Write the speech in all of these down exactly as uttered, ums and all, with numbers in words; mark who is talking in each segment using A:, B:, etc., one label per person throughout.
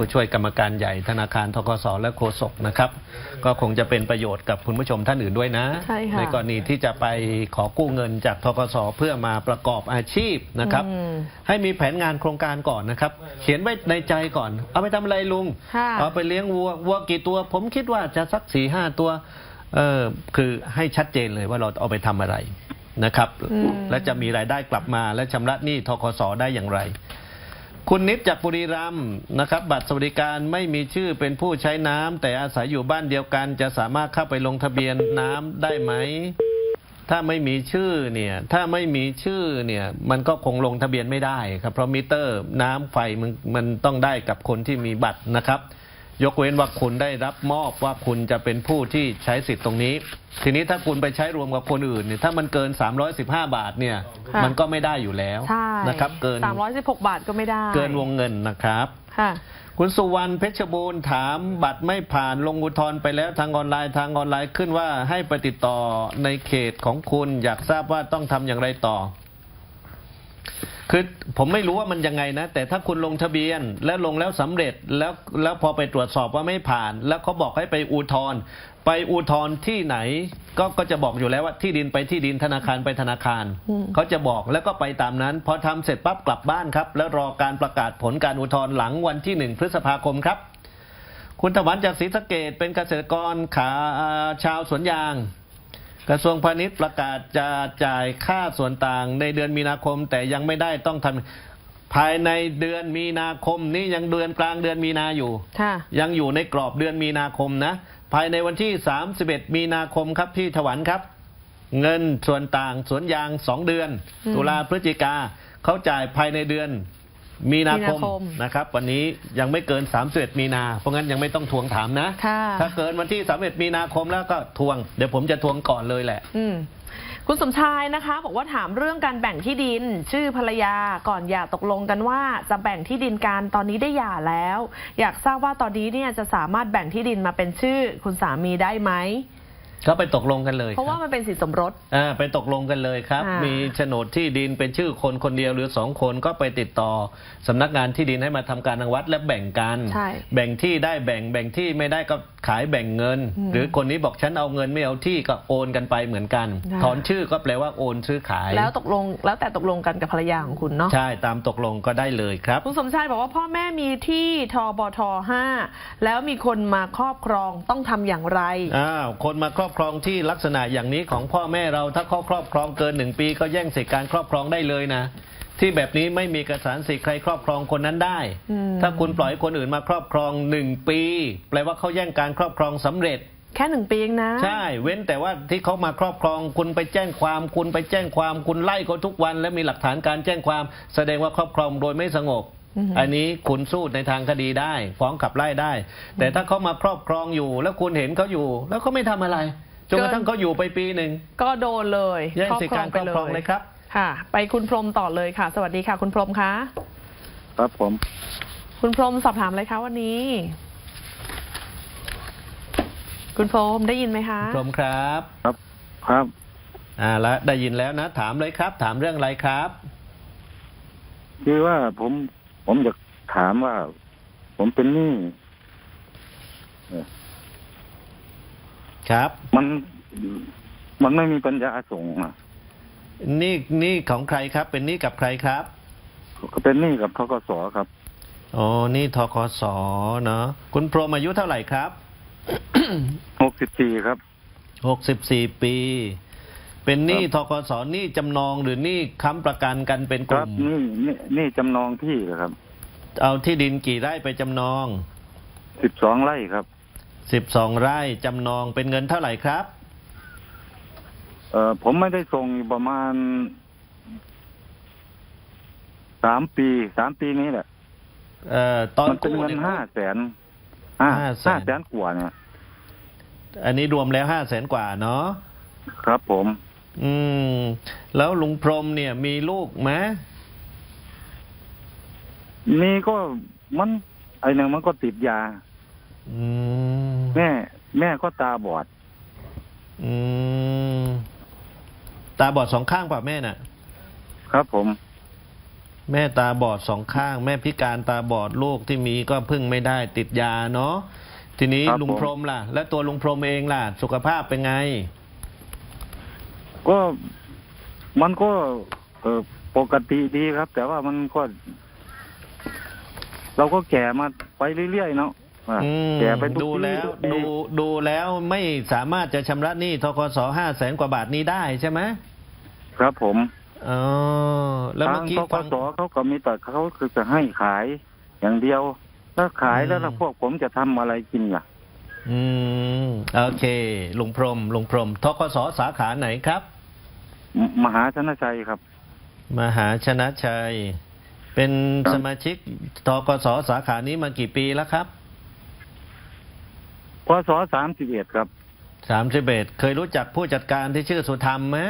A: ผู้ช่วยกรรมการใหญ่ธนาคารธกสและโฆษกนะครับก็คงจะเป็นประโยชน์กับคุณผู้ชมท่านอื่นด้วยนะ
B: ใช่ค่ะ
A: ในกรณีที่จะไปขอกู้เงินจากธกสเพื่อมาประกอบอาชีพนะครับให้มีแผนงานโครงการก่อนนะครับเขียนไว้ในใจก่อนเอาไปทำอะไรลุงเอาไปเลี้ยงวัววัวกี่ตัวผมคิดว่าจะสักสี่ห้าตัวเออคือให้ชัดเจนเลยว่าเราเอาไปทำอะไรนะครับและจะมีรายได้กลับมาและชำระหนี้ธกสได้อย่างไรคุณนิดจากบุรีรัมย์นะครับบัตรสวัสดิการไม่มีชื่อเป็นผู้ใช้น้ำแต่อาศัยอยู่บ้านเดียวกันจะสามารถเข้าไปลงทะเบียนน้ำได้ไหมถ้าไม่มีชื่อเนี่ยถ้าไม่มีชื่อเนี่ยมันก็คงลงทะเบียนไม่ได้ครับเพราะมิเตอร์น้ำไฟมันมันต้องได้กับคนที่มีบัตรนะครับยกเว้นว่าคุณได้รับมอบว่าคุณจะเป็นผู้ที่ใช้สิทธิ์ตรงนี้ทีนี้ถ้าคุณไปใช้รวมกับคนอื่นเนี่ยถ้ามันเกินสามร้อยสิบห้าบาทเนี่ยมันก็ไม่ได้อยู่แล้วนะครับเกิน
B: สามร้อยสิบหกบาทก็ไม่ได้
A: เกินวงเงินนะครับค่ะคุณสุวรรณเพชรบูรณ์ถามบัตรไม่ผ่านลงอุทธรณ์ไปแล้วทางออนไลน์ทางออนไลน์ขึ้นว่าให้ไปติดต่อในเขตของคุณอยากทราบว่าต้องทำอย่างไรต่อคือผมไม่รู้ว่ามันยังไงนะแต่ถ้าคุณลงทะเบียนแล้วลงแล้วสำเร็จแล้วแล้วพอไปตรวจสอบว่าไม่ผ่านแล้วเขาบอกให้ไปอุทธรณ์ไปอุทธรณ์ที่ไหนก็ก็จะบอกอยู่แล้วว่าที่ดินไปที่ดินธนาคารไปธนาคารเขาจะบอกแล้วก็ไปตามนั้นพอทำเสร็จปั๊บกลับบ้านครับแล้วรอการประกาศผลการอุทธรณ์หลังวันที่หนึ่งพฤษภาคมครับคุณถวันจากศรีสะเกษเป็นเกษตรกรขาชาวสวนยางกระทรวงพาณิชย์ประกาศจะจ่ายค่าส่วนต่างในเดือนมีนาคมแต่ยังไม่ได้ต้องทำภายในเดือนมีนาคมนี่ยังเดือนกลางเดือนมีนาอยู่ยังอยู่ในกรอบเดือนมีนาคมนะภายในวันที่สามสิบเอ็ดมีนาคมครับพี่ถวันครับเงินส่วนต่างสวนยางสองเดือนตุลาพฤศจิกาเขาจ่ายภายในเดือนมีนาคมนะครับวันนี้ยังไม่เกินสามสิบเอ็ดมีนาเพราะงั้นยังไม่ต้องทวงถามนะถ้าเกินวันที่สามสิบเอ็ดมีนาคมแล้วก็ทวงเดี๋ยวผมจะทวงก่อนเลยแหละ
B: คุณสมชายนะคะบอกว่าถามเรื่องการแบ่งที่ดินชื่อภรรยาก่อนหย่าตกลงกันว่าจะแบ่งที่ดินกันตอนนี้ได้หย่าแล้วอยากทราบว่าตอนนี้เนี่ยจะสามารถแบ่งที่ดินมาเป็นชื่อคุณสามีได้ไหม
A: ก็ไปตกลงกันเลย
B: เพราะว่ามันเป็นสินสมรส
A: อ่าไปตกลงกันเลยครับมีโฉนดที่ดินเป็นชื่อคนคนเดียวหรือสองคนก็ไปติดต่อสำนักงานที่ดินให้มาทำการรังวัดและแบ่งกันแบ่งที่ได้แบ่งแบ่งที่ไม่ได้ก็ขายแบ่งเงินหรือคนนี้บอกฉันเอาเงินไม่เอาที่ก็โอนกันไปเหมือนกันถอนชื่อก็แปลว่าโอนซื้อขาย
B: แล้วตกลงแล้วแต่ตกลงกันกับภรรยาของคุณเนาะ
A: ใช่ตามตกลงก็ได้เลยครับ
B: คุณสมชายบอกว่าพ่อแม่มีที่ทบทห้าแล้วมีคนมาครอบครองต้องทำอย่างไร
A: อ้าวคนมาครอบครองที่ลักษณะอย่างนี้ของพ่อแม่เราถ้าเขาครอบครองเกินหนึ่งปีก็แย่งสิทธิการครอบครองได้เลยนะที่แบบนี้ไม่มีเอกสารสิทธิ์ใครครอบครองคนนั้นได้ถ้าคุณปล่อยคนอื่นมาครอบครองหนึ่งปีแปลว่าเขาแย่งการครอบครองสำเร็จ
B: แค่หนึ่งปีเองนะ
A: ใช่เว้นแต่ว่าที่เขามาครอบครองคุณไปแจ้งความคุณไปแจ้งความคุณไล่เขาทุกวันและมีหลักฐานการแจ้งความแสดงว่าครอบครองโดยไม่สงบอันนี้คุณสู้ในทางคดีได้ฟ้องขับไล่ได้แต่ถ้าเขามาครอบครองอยู่แล้วคุณเห็นเขาอยู่แล้วเขาไม่ทำอะไรจนกระทั่งเขาอยู่ไปปีหนึ่ง
B: ก็โดนเลย
A: แย่งสิทธิการครอบครองเลยครับ
B: ค่ะไปคุณพรหมต่อเลยค่ะสวัสดีค่ะคุณพรหมคะ
C: ครับผม
B: คุณพรหมสอบถามอะไรคะวันนี้คุณพรหมได้ยินไหมคะ
A: พรหมครับ
C: ครับครับ
A: อ่าแล้วได้ยินแล้วนะถามเลยครับถามเรื่องอะไรครับ
C: คือว่าผมผมอยากถามว่าผมเป็นหนี้
A: ครับ
C: มันมันไม่มีปัญญาส่งอ่ะ
A: นี่นี่ของใครครับเป็นหนี้กับใครครับ
C: ก็เป็นหนี้กับธกสครับ
A: อ๋อนี่ธกสเนาะคุณพรหมอายุเท่าไหร่ครับ
C: หกสิบสี่ครับ
A: หกสิบสี่ปีเป็นหนี้ธกสหนี้จำนองหรือหนี้ค้ำประกันกันเป็นกลุ่ม
C: หนี้หนี้จำนองที่ครับ
A: เอาที่ดินกี่ไร่ไปจำนอง
C: สิบสองไร่ครับ
A: สิบสองไร่จำนองเป็นเงินเท่าไหร่ครับ
C: เอ่อผมไม่ได้ส่งประมาณสามปีสามปีนี้แหละ
A: เอ่อตอน
C: มันเป็นเงินห้าแสนห้าห้าแสนกว่าเนี่ย
A: อันนี้รวมแล้วห้าแสนกว่าเนาะ
C: ครับผม
A: อืมแล้วลุงพรหมเนี่ยมีลูกไหม
C: มีก็มันไอหนึ่งมันก็ติดยาแม่แม่ก็ตาบอด
A: อืมตาบอดสองข้างป่ะแม่น่ะ
C: ครับผม
A: แม่ตาบอดสองข้าง แม่พิการตาบอดลูกที่มีก็พึ่งไม่ได้ติดยาเนาะทีนี้
C: ครับ
A: ลุงพรหมล่ะ และตัวลุงพรหมเองล่ะ สุขภาพเป็นไง
C: ก็มันก็เออปกติดีครับ แต่ว่ามันก็ เราก็แก่มาไปเรื่อยๆเนาะอ่ะ
A: อืม
C: แก่ไปทุก
A: ดู
C: ปี
A: แล้ว
C: ทุกปี
A: ดูดูแล้วไม่สามารถจะชำระหนี้ธกสห้าแสนกว่าบาทนี้ได้ใช่ไหม
C: ครับผม
A: อ๋อแล้ว
C: ทา
A: เมื่อง กี้
C: ทก
A: ฟัง
C: สเขาก็มีแต่เขาคือจะให้ขายอย่างเดียว ถ้าขายแล้ว
A: อืม
C: ล่ะพวกผมจะทำอะไรกินล่ะ
A: อืมโอเคลุงพรหมลุงพรหมธกสสาขาไหนครับ
C: มมหาชนะชัยครับ
A: มหาชนะชัย เป็น
C: ครับ
A: สมาชิกธกสสาขานี้มากี่ปีแล้วครับ
C: พศสามสิบเอ็ดครับ
A: สามสิบเอ็ดเคยรู้จักผู้จัดการที่ชื่อสุธรรมไหม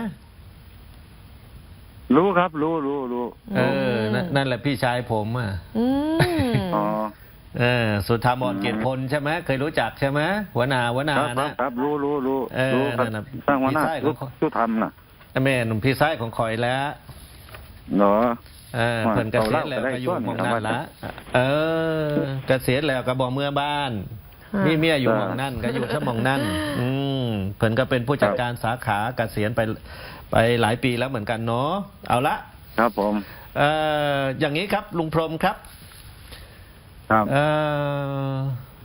C: รู้ครับ รู้รู้รู้
A: เออนั่นนั่นแหละพี่ชายผมอ่ะ
B: อืม
C: อ๋อ
A: เออสุธรรมอ่อนเกียรติพลใช่ไหมเคยรู้จักใช่ไหมหัวหน้าหัวหน้า
C: ครับครับ
A: นะครับ
C: รู้รู้รู้
A: เออ
C: รู้ครับ
A: นั่นน่ะ
C: สร้างวันหน้า
A: พี่ไส้ของ
C: รู้รู้ทำน่ะ
A: แม่หนุ่มพี่ชายของคอยแล้ว
C: เหรอ
A: เออเพิ่นเกษียณแล้วก็อยู่หมองนั่นละเออเกษียณแล้วก็บอกเมื่อบ้าน
B: ค่ะ
A: มีเมียอยู่หมองนั่นก็อยู่ซะหมองนั่นอืมเพิ่นก็เป็นผู้จัดการสาขาเกษียณไปไปหลายปีแล้วเหมือนกันเนาะเอาละ
C: ครับผม
A: เอ่ออย่างนี้ครับลุงพรหมครับ
C: ครับ
A: เอ่อ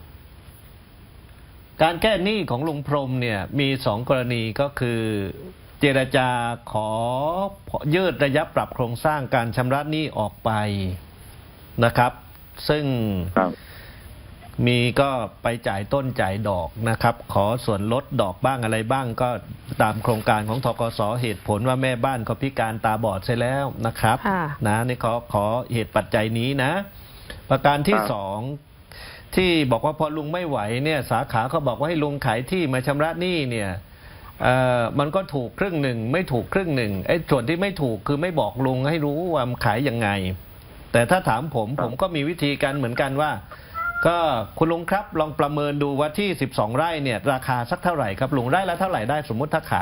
A: การแก้หนี้ของลุงพรหมเนี่ยมีสองกรณีก็คือ เจรจาขอยืดระยะปรับโครงสร้างการชำระหนี้ออกไปนะครับ ซึ่ง
C: ครับ
A: มีก็ไปจ่ายต้นจ่ายดอกนะครับ ขอส่วนลดดอกบ้างอะไรบ้างก็ตามโครงการของธกสเหตุผลว่าแม่บ้านเขาพิการตาบอดใช่แล้วนะครับ
B: ค่ะ
A: นะนี่ขอขอเหตุปัจจัยนี้นะ ประการที่
C: ครับ
A: สองที่บอกว่าพอลุงไม่ไหวเนี่ยสาขาเขาบอกว่าให้ลุงขายที่มาชำระหนี้เนี่ยเอ่อมันก็ถูกครึ่งหนึ่งไม่ถูกครึ่งหนึ่งไอ้ส่วนที่ไม่ถูกคือไม่บอกลุงให้รู้ว่ามันขายยังไง แต่ถ้าถามผม
C: ครับ
A: ผมก็มีวิธีการเหมือนกันว่า ก็คุณลุงครับลองประเมินดูว่าที่สิบสองไร่เนี่ยราคาสักเท่าไหร่ครับลุงไร่ละเท่าไหร่ได้สมมุติถ้าขาย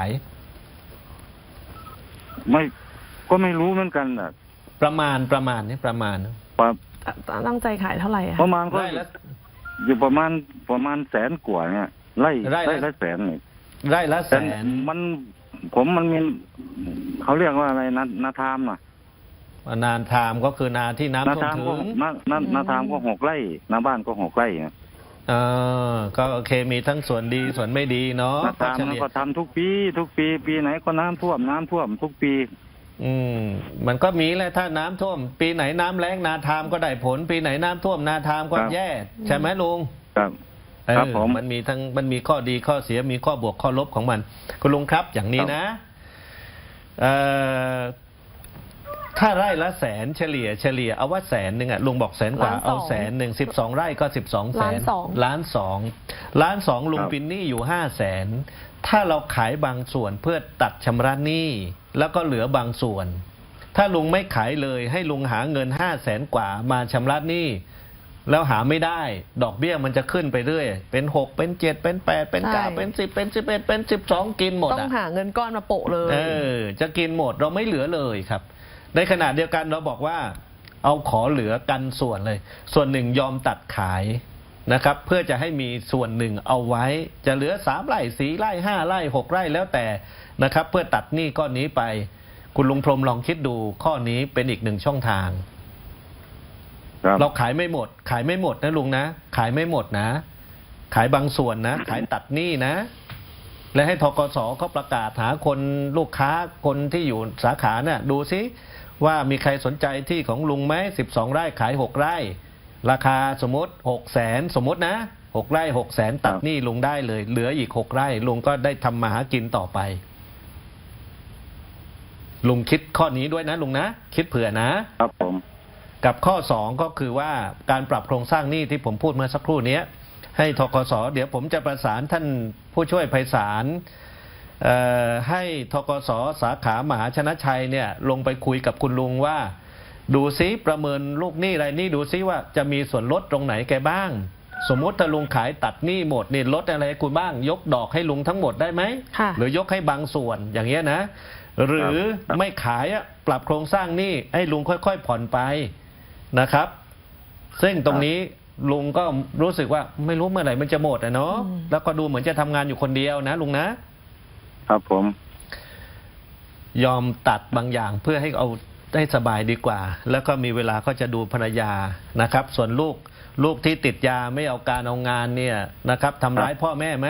C: ไม่ก็ไม่รู้เหมือนกันอ่ะ
A: ประมาณประมาณนี่ประมาณ
C: ประ
B: ตั้งใจขายเท่าไหร่อะ
C: ประมาณก็
A: ไร่ละ
C: อยู่ประมาณประมาณแสนกว่าเนี่ยไล่
A: ไร่ละ
C: ไล่ละแสนเนี่ย
A: ไร่ละแส
C: แต่
A: น
C: มันผมมันมีเขาเรียกว่าอะไรนานาทามอ่ะ
A: นานทามก็คือนาที่น้ำ
C: นา
A: ท่วม
C: ทาม
A: ถึ
C: ก็
A: ง
C: นานานาทามก็หกไร่นาบ้านก็หกไร่อะ
A: เออก็โอเคมีทั้งส่วนดีส่วนไม่ดีเนาะ
C: นา
A: ก็
C: ทาม
A: เฉ
C: มัน
A: ลี่ย
C: ก็ทำทุกปี ทุกปี ปีไหนก็น้ำท่วมน้ำท่วมทุกปี
A: อืมมันก็มีแหละถ้าน้ำท่วม ปีไหนน้ำแล้งนาทามก็ได้ผล ปีไหนน้ำท่วมนาทามก็แย่ใช่ไหมลุง
C: ครับ
A: เออ
C: ครับผม
A: มันมีทั้งมันมีข้อดีข้อเสียมีข้อบวกข้อลบของมัน คุณลุงครับอย่างนี้นะเอ่อถ้าไร่ละแสนเฉลี่ยเฉลี่ยเอาว่าแสนหนึ่งอะลุงบอกแสนกว่า
B: ล้านสอง
A: เอาแสนหนึ่งสิบสองไร่ก็สิบสองแส
B: ล้าน
A: น
B: สอง
A: ล้านสองล้านสองลุงปินหนี้อยู่ห้าแสนถ้าเราขายบางส่วนเพื่อตัดชำระหนี้แล้วก็เหลือบางส่วน ถ้าลุงไม่ขายเลยให้ลุงหาเงินห้าแสนกว่ามาชำระหนี้แล้วหาไม่ได้ ดอกเบี้ยมันจะขึ้นไปเรื่อยเป็นหกเป็นเจ็ดเป็นแปดเป็นเก้า
B: ใช่
A: เป็นสิบเป็นสิบเอ็ดเป็นสิบสองกินหมด
B: ต้อง
A: อะ
B: หาเงินก้อนมาโปะเลย
A: เออจะกินหมดเราไม่เหลือเลยครับ ในขณะเดียวกันเราบอกว่า เอาขอเหลือกันส่วนเลย ส่วนหนึ่งยอมตัดขายนะครับ เพื่อจะให้มีส่วนหนึ่งเอาไว้ จะเหลือสามไร่สี่ไร่ห้าไร่หกไร่แล้วแต่นะครับ เพื่อตัดหนี้ก้อนนี้ไป คุณลุงพรหมลองคิดดูข้อนี้เป็นอีกหนึ่งช่องทาง
C: ครับ
A: เราขายไม่หมด ขายไม่หมดนะลุงนะ ขายไม่หมดนะ ขายบางส่วนนะ ขายตัดหนี้นะ และให้ธกสเขาประกาศหาคนลูกค้าคนที่อยู่สาขาเนี่ยดูซิว่ามีใครสนใจที่ของลุงไหมสิบสองไร่ขายหกไร่ ราคาสมมติหกแสนสมมตินะหกไร่หกแสนตัดหนี้ลุงได้เลย เหลืออีกหกไร่ลุงก็ได้ทำมาหากินต่อไป ลุงคิดข้อนี้ด้วยนะลุงนะ คิดเผื่อนะ
C: ครับผม
A: กับข้อสองก็คือว่าการปรับโครงสร้างหนี้ที่ผมพูดเมื่อสักครู่นี้ให้ธกสเดี๋ยวผมจะประสานท่านผู้ช่วยไพศาลเอ่อให้ธกสสาขามหาชนะชัยเนี่ยลงไปคุยกับคุณลุงว่า ดูซิประเมินลูกหนี้รายหนี้ดูซิว่าจะมีส่วนลดตรงไหนแกบ้าง สมมติถ้าลุงขายตัดหนี้หมดนี่ลดอะไรให้คุณบ้าง ยกดอกให้ลุงทั้งหมดได้ไหม
B: ค่ะ
A: หรือยกให้บางส่วนอย่างเงี้ยนะหรือ
C: ครับ
A: ไม่ขายอะปรับโครงสร้างหนี้ให้ลุงค่อยๆผ่อนไปนะครับ ซึ่งตรงนี้ลุงก็รู้สึกว่าไม่รู้เมื่อไหร่มันจะหมดอะเนาะ
B: อืม
A: แล้วก็ดูเหมือนจะทำงานอยู่คนเดียวนะลุงนะ
C: ครับผม
A: ยอมตัดบางอย่างเพื่อให้เอาได้สบายดีกว่า แล้วก็มีเวลาก็จะดูภรรยานะครับ ส่วนลูกลูกที่ติดยาไม่เอาการเอางานเนี่ยนะครับทำร้ายพ่อแม่ไหม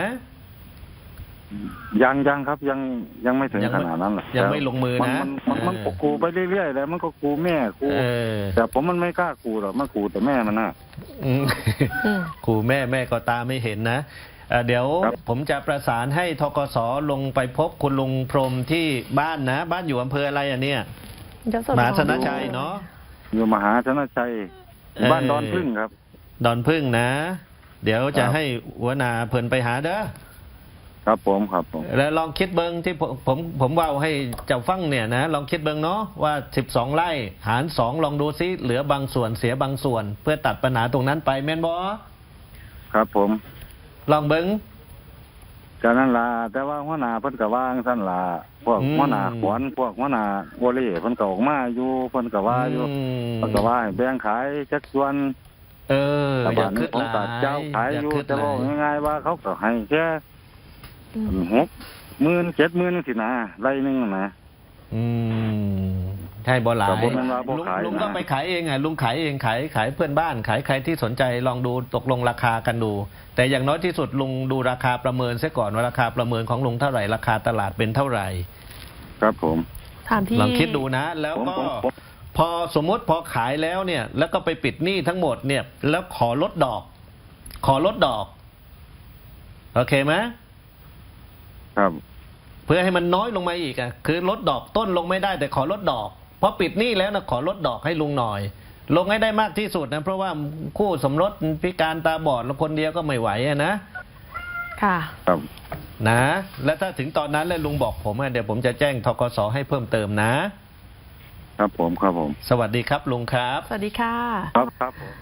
C: ยังยังครับยังยังไม่ถึง
A: ยัง
C: ข
A: ไม่
C: นาดนั้นหรอก
A: ยังไม่ลงมือนะ
C: มันมันมัน
A: เออ
C: ก็กูไปเรื่อยๆแล้วมันก็กูแม่กู
A: เออ
C: แต่ผมมันไม่กล้ากูหรอกมันกูแต่แม่มันน่ะ
A: อืม
B: อืม
A: ครูแม่แม่ก็ตาไม่เห็นนะเอ่อเดี๋ยว
C: ครับ
A: ผมจะประสานให้ทกสลงไปพบคุณลุงพรหมที่บ้านนะ บ้านอยู่อำเภออะไรอ่ะเนี่ย
B: ยโสธร
A: มหาชนะชัยเนาะ
C: อยู่มหาชนะชัย
A: เออ
C: บ้านดอนพึ่งครับ
A: ดอนพึ่งนะ เดี๋ยวจะ
C: ครับ
A: ให้หัวหน้าเพิ่นไปหาเด้อ
C: ครับผมครับผม
A: แล้วลองคิดเบิงที่ผมผมผมว่าให้เจ้าฟังเนี่ยนะลองคิดเบิงเนาะว่าสิบสองไร่หารสองลองดูซิเหลือบางส่วนเสียบางส่วน เพื่อตัดปัญหาตรงนั้นไปแม่นบอ
C: ครับผม
A: ลองเบิง
C: ก็นั่นล่ะแต่ว่าหัวหน้าเพิ่นก็ว่าจั่งซั่นล่ะพวก
A: อืม
C: หัวหน้าขวัญพวกหัวหน้าโอเล่เพิ่นก็ออกมาอยู่เพิ่นก็ว่าอยู่
A: ม
C: เพิ่นก็ว่าให้แบ่งขายจักส่วน
A: เออ
C: แต่
A: อย่า
C: บ้าน
A: คิ
C: นี้
A: ด
C: ผม
A: หลา
C: ก็
A: ย
C: เจ้าขาย
A: อย่า
C: อยู่
A: คิด
C: แต่
A: หลา
C: ว่าย ง่ายๆว่าเขาก็ให้แค่
B: อืม
C: หกหมื่นเจ็ดหมื่นสินะไร่หนึงนะ
A: อืมใช่บ่หลาย
C: แต่ผมมันว่าบ่
A: ลุง
C: ขาย
A: ลุง
C: นะ
A: ก็ไปขายเองไงลุงขายเองขายขายเพื่อนบ้านขายใครที่สนใจลองดูตกลงราคากันดู แต่อย่างน้อยที่สุดลุงดูราคาประเมินซะก่อนว่าราคาประเมินของลุงเท่าไหร่ราคาตลาดเป็นเท่าไหร่
C: ครับผม
B: ถามที่
A: ลองคิดดูนะ แล้ว
C: ผม
A: ก็
C: ผมผม
A: พอสมมติพอขายแล้วเนี่ย แล้วก็ไปปิดหนี้ทั้งหมดเนี่ย แล้วขอลดดอก ขอลดดอกโอเคไหม
C: ครับ
A: เพื่อให้มันน้อยลงมาอีกอ่ะคือลดดอกต้นลงไม่ได้แต่ขอลดดอกเพราะปิดหนี้แล้วนะขอลดดอกให้ลุงหน่อย ลงให้ได้มากที่สุดนะเพราะว่าคู่สมรสพิการตาบอดแล้วคนเดียวก็ไม่ไหวอะนะ
B: ค่ะ
C: ครับ
A: นะ แล้วถ้าถึงตอนนั้นแล้วลุงบอกผมอะเดี๋ยวผมจะแจ้งทกสให้เพิ่มเติมนะ
C: ครับผมครับผม
A: สวัสดีครับลุงครับ
B: สวัสดีค่ะ
C: ครับครับผม